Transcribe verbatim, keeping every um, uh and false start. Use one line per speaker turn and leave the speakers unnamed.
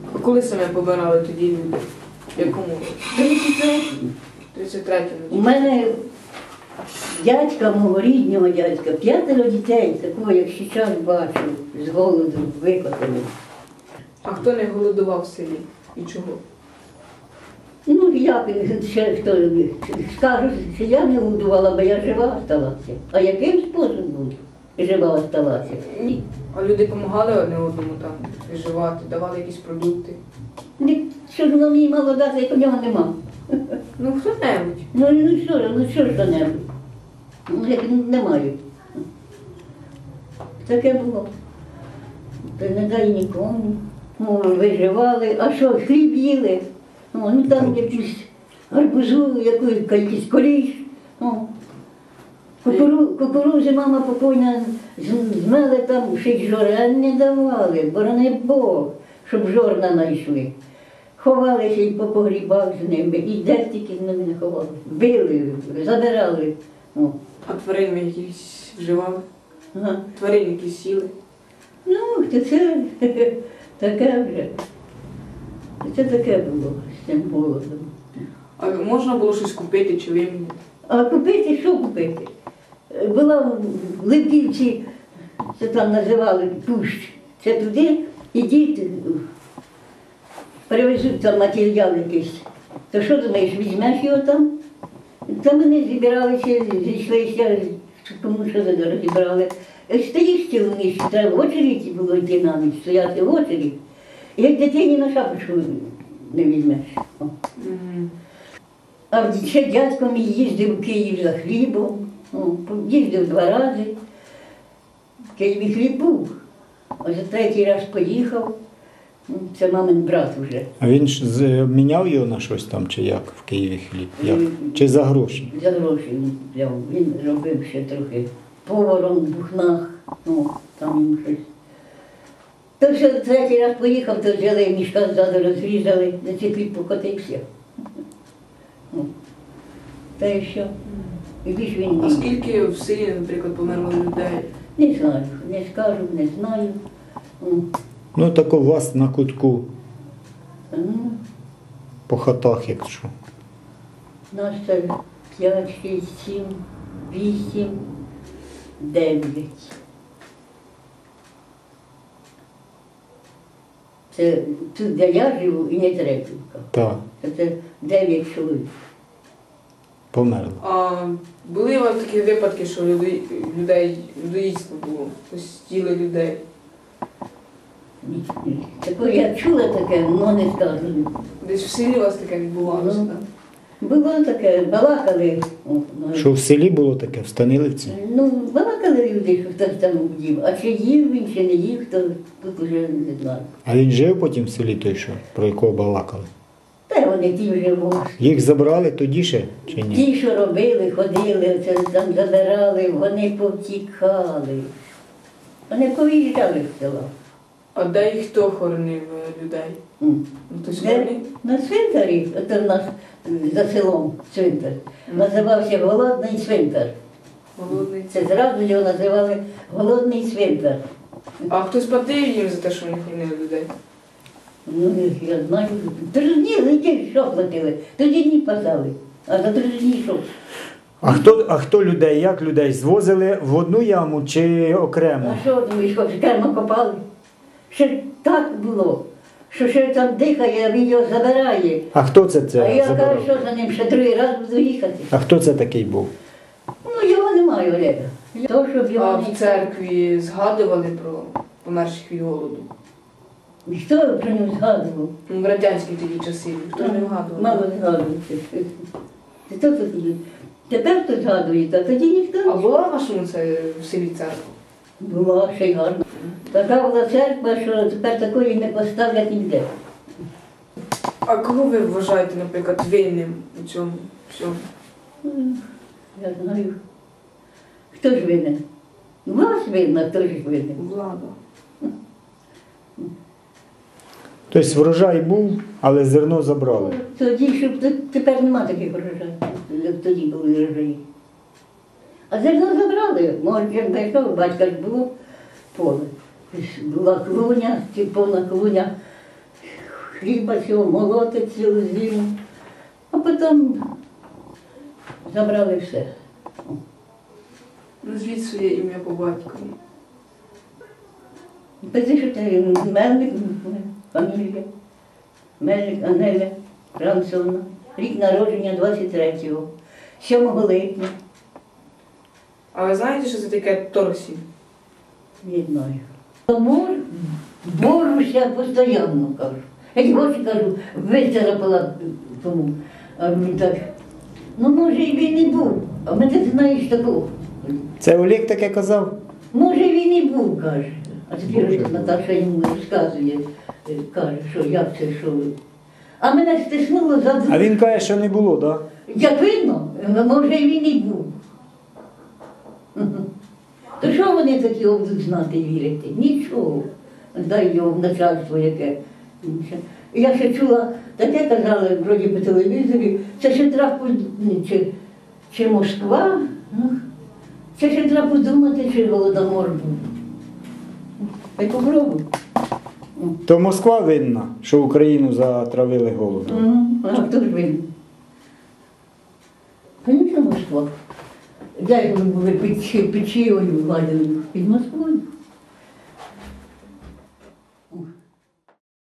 А коли саме помирали тоді люди? В якому?
тридцять третьому.
тридцять третьому.
У мене дядька, мого рідного дядька, п'ятеро дітей, такого, як зараз бачу, з голоду викотали.
А хто не голодував в селі? І чого?
Ну, як ще хто скажу, що я не голодувала, бо я жива осталася. А яким способом жива осталася? Ні.
А люди допомагали одне одному там виживати, давали якісь продукти?
Ні, що ж воно мені мало дати, як у нього нема.
Ну, хто-небудь.
Ну, ну що ж, ну що ж що-небудь? Ну, як не маю. Таке було. Та не дай нікому. Ну, виживали, а що, хліб їли? О, ну там якусь гарбузу, якусь якийсь коріш. О. Кукуру, кукурузи мама покойна змели там, ще й жорен не давали, борони Бог, щоб жорна знайшли. Ховалися і по погрібах з ними, і де тільки з ними не ховали. Били, забирали. О.
А тварин ви якісь вживали?
Ага.
Тварин якісь сіли?
Ну, то це таке вже. Це таке було з цим голодом.
А можна було щось купити чи вимінити?
А купити, що купити? Була в Липківці, це там називали Пущ, це туди, ідіть, привезуть там матеріал якийсь. То що думаєш, візьмеш його там? Там вони зібралися, зійшлися, кому що розібрали. Стоїш цілу ніч, треба в очереді було йти на ніч, стояти в очереді. Як дитині на шапочку не візьмеш. О.
Угу.
А ще дядько мій їздив у Київ за хлібом, о, їздив два рази. В Києві хліб був, а за третій раз поїхав. Це мамин брат вже.
А він ж з- міняв його на щось там, чи як в Києві хліб? Як? Чи за гроші?
За гроші він взяв. Він робив ще трохи поваром в Бухнах, ну, там йому щось. То що третій раз поїхав, то взяли мішка ззаду, розрізали, за цей хліб покотився. Ну, та й що? І більш він
А
не.
скільки в селі, наприклад, померло людей?
Не знаю, не скажу, не знаю. Ну,
Ну, так у вас на кутку,
ну,
по хатах, якщо.
нас це п'ять, шість, сім, вісім, дев'ять. Це тут, де я живу, і не Трепівка.
Так,
Це, це дев'ять чоловік.
померло.
А були у вас такі випадки, що людей, людей людоїдство було? Ось їли людей?
Ні, ні. Таке я чула таке, але не скажу.
Десь в селі у вас таке відбувалося,
Ну.
так?
Було таке, балакали. О, ну,
Що в селі було таке, в Станилівці?
Ну, балакали люди, що хтось там їв. А чи їв він, чи не їв, то тут уже не знаю.
А він жив потім в селі той, що, про якого балакали?
Та вони ті вже були.
Їх забрали тоді ще, чи ні?
Ті, що робили, ходили, це там забирали, вони повтікали. Вони повиїжджали в село.
А де і хто хоронив е, людей?
М.
Ну, тобто
Де?
вони?
На цвинтарі, це в нас е, за селом цвинтар, називався Голодний цвинтар.
Голодний.
Це зразу його називали Голодний цвинтар.
А хтось платив їм за те, що вони хоронили людей?
Ну, я знаю. Три дні летять, що платили? Тоді дні пасали, а за три дні що?
А хто, а хто людей, як людей звозили в одну яму чи окремо?
А що думаєш, що кермо копали? Ще так було, що ще там дихає, а він його забирає.
А хто це це
А я
забирав?
кажу, що за ним ще другий раз буду їхати.
А хто це такий був?
Ну, його немає, Олега. То, щоб
А
його
в
не...
церкві згадували про померших від голоду?
Хто про нього згадував?
Ну, в радянські тоді часи ніхто не вгадував.
Мало згадується. Хто тут тоді? Тепер хто згадує, а тоді ніхто.
А була в вашому це в селі церква?
Була ще й гарна. Така була церква, що тепер такої не поставлять ніде.
А кого ви вважаєте, наприклад, винним у цьому всьому?
Я знаю. Хто ж винен? Вас винна, хто ж винен?
Влада.
Ну,
Тобто врожай був, але зерно забрали.
Тоді, щоб т- тепер нема таких врожаїв, як тоді були врожаї. А зерно забрали. Може, як знайшов, батька ж було поле. Була клуня, ці повна клуня. хліба цього, молотить цілу зиму. А потім забрали все.
Назвіть своє ім'я по батькові.
Писи, що ти Мельник, фамілія. Мельник Анеля Францовна. Рік народження двадцять третього, сьомого липня.
А ви знаєте, що це таке торсі?
Не знаю. Тому борюся постійно, кажу. Я й гроші кажу, вицарапала тому. А він так, ну може і він і був, а мене ти знаєш такого.
Це Олег таке казав?
Може він і був, каже. А тепер Наташа йому розказує, е, каже, що як це, що. А мене стиснуло за
А він каже, що не було, так?
Як видно, може він і був. То що вони такі будуть знати і вірити? Нічого. Дай його в начальство яке. Я ще чула, таке казали вроді по телевізорі, це ще треба, поз- чи, чи Москва, ну, це ще треба подумати, чи Голодомор був. Хай попробуй.
То Москва винна, що Україну затравили голодом.
Мгм. А хто ж винен? Звісно, Москва. Де ж ми були під Чи- під чиєю владою? Під Москвою.